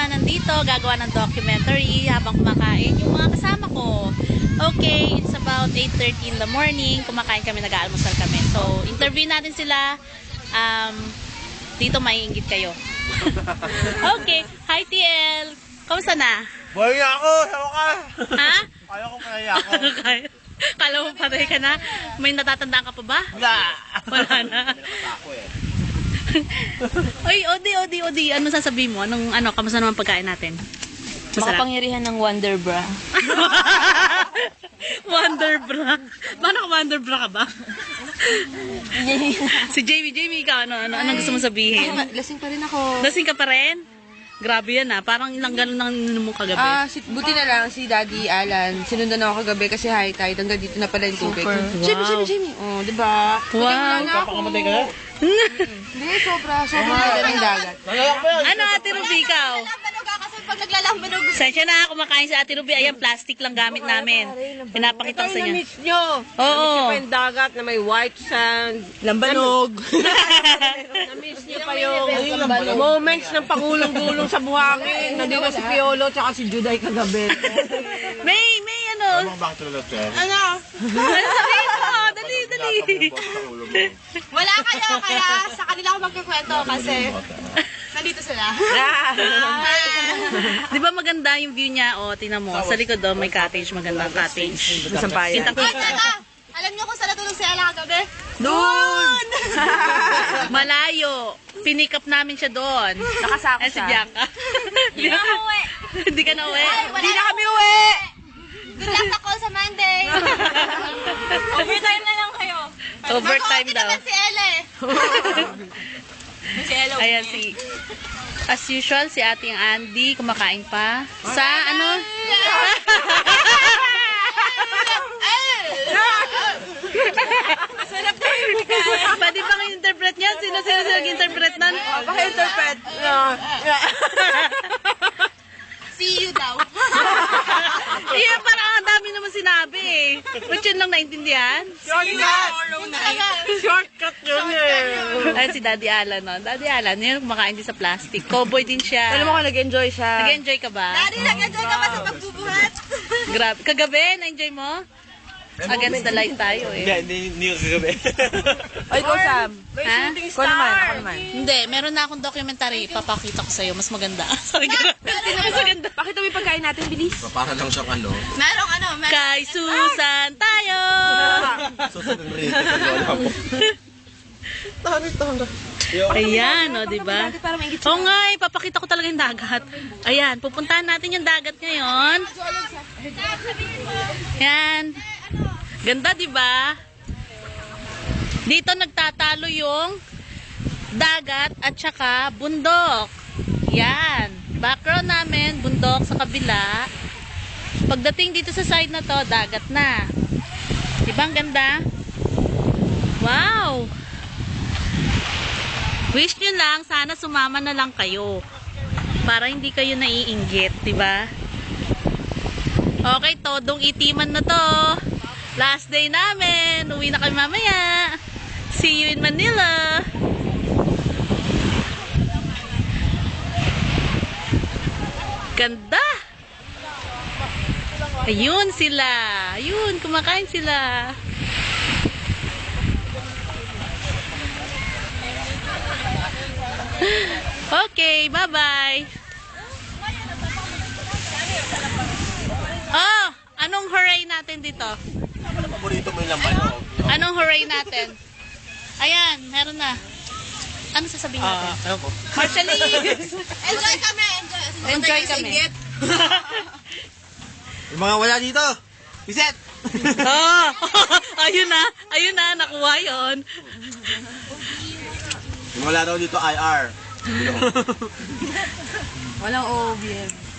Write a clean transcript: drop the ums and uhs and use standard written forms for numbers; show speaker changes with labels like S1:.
S1: naman nandito, gagawa ng documentary habang kumakain yung mga kasama ko. Okay, it's about 8:30 in the morning. Kumakain kami, nag-aalmusal kami. So, interview natin sila. Dito maiinggit kayo. Okay, hi TL. Kamusta na?
S2: Buhay ako! Sawa ka!
S1: Ha?
S2: Kaya ko pala ako.
S1: Kala mo patay ka na? May natatandaan ka pa ba?
S2: Wala!
S1: Wala na.
S2: Ako eh.
S1: Oy, Odi. Ano sasabihin mo? Kamusta naman pagkain natin? Masarap.
S3: Makapangyarihan ng Wonder Bra.
S1: Wonder bra. Paano ka wonder bra ka ba? Si Jamie, ikaw, anong gusto mo sabihin?
S3: Lasing pa rin ako.
S1: Lasing ka pa rin? Grabe yan Parang ilang galon nang ininom mo kagabi.
S3: Buti na lang si Daddy Alan. Sinundan ako kagabi kasi high tide. Hanggang dito na pala yung tubig.
S1: Super.
S3: Jamie. Oh, diba?
S1: Wow.
S2: Kapakamatay ka na?
S3: Hindi, sobra ganda ng dagat.
S2: Nalalak pa yan!
S1: Ano, Ate Ruby, ikaw?
S3: Kasi pag naglalambanog.
S1: Sensya na, kumakain si Ate Ruby. Ayan, plastic lang gamit namin. Pinapakita ko sa inyo.
S4: Na-miss nyo.
S1: Oo.
S4: Na-miss nyo pa yung dagat na may white sand.
S3: Lambanog.
S4: Na-miss nyo pa yung moments ng pangulong-gulong sa buhangin. Nandito si Piolo at si Juday kagabi.
S1: May
S2: Ano bakit talaga sir?
S4: Ano?
S1: Ano sabihin mo? Dali.
S5: Wala kayo, kaya sa kanila ako magkikwento kasi nandito sila.
S1: Di ba maganda yung view niya? O, tingnan mo. Sa likod doon, may cottage. Magandang cottage.
S3: Sampayan.
S1: Kita-kita.
S5: Alam niyo kung saan natulog si Ella kagabi?
S3: Doon!
S1: Malayo. Pinikap namin siya doon.
S3: Nakasako
S1: Si
S3: siya.
S1: Bianca. Hindi na uwi. Hindi ka na uwi.
S3: Hindi na kami uwi!
S5: Good luck sa call sa Monday. Overtime na lang kayo.
S1: Overtime
S5: Mag-OT
S1: daw.
S5: naman si Ella eh. Si Ella.
S1: Ayan as usual, si ating Andy kumakain pa. Sa ano? Pwede bang i-interpret niya? Sino nag-interpret nan?
S3: Paka-interpret.
S5: See you daw.
S1: Iya, parang ang dami naman sinabi eh. Ba't yun lang naintindihan?
S4: Shortcut yun eh.
S1: Ay, si Daddy Alan, no? Daddy Alan, yun kumakain din sa plastic. Cowboy din siya.
S3: Alam mo kung nag-enjoy siya.
S1: Nag-enjoy ka ba?
S5: Daddy, nag-enjoy ka ba sa pagbubuhat?
S1: Grabe. Kagabi, na-enjoy mo? Against the light tayo eh.
S2: Hindi ko kagabi.
S3: Oy, ikaw Sam.
S1: Ha?
S3: Ako naman.
S1: Hindi, meron na akong documentary. Papakita ko sa'yo. Mas maganda. Sorry, mas maganda.
S3: Pakita mo yung pagkain natin, bilis.
S2: Para lang siyang ano.
S5: Merong
S1: Kay Susan tayo!
S2: Susunod rin. Wala po.
S1: Ayan, o, diba? Oo nga, papakita ko talaga yung dagat. Ayan, pupuntahan natin yung dagat ngayon. Ayan. Ganda, diba? Dito nagtatalo yung dagat at saka bundok. Yan. Background namin, bundok sa kabila. Pagdating dito sa side na to, dagat na. Diba ang ganda? Wow! Wish nyo lang, sana sumama na lang kayo. Para hindi kayo naiinggit, diba? Okay, todong itiman na to. Last day namin. Uwi na kami mamaya. See you in Manila. Ganda. Ayun sila. Ayun, kumakain sila. Okay, bye-bye. Oh, anong hooray natin dito?
S2: Ano paborito mo yung laman?
S1: Anong hooray natin? Ayan, meron na. Ano sasabihin natin?
S2: Ano po?
S1: Marshallese!
S5: Enjoy kami.
S1: Enjoy kami.
S2: Yung mga wala dito. Piset!
S1: Oh, ayun na, nakuha yun.
S2: Yung wala daw dito IR.
S3: Walang OBM.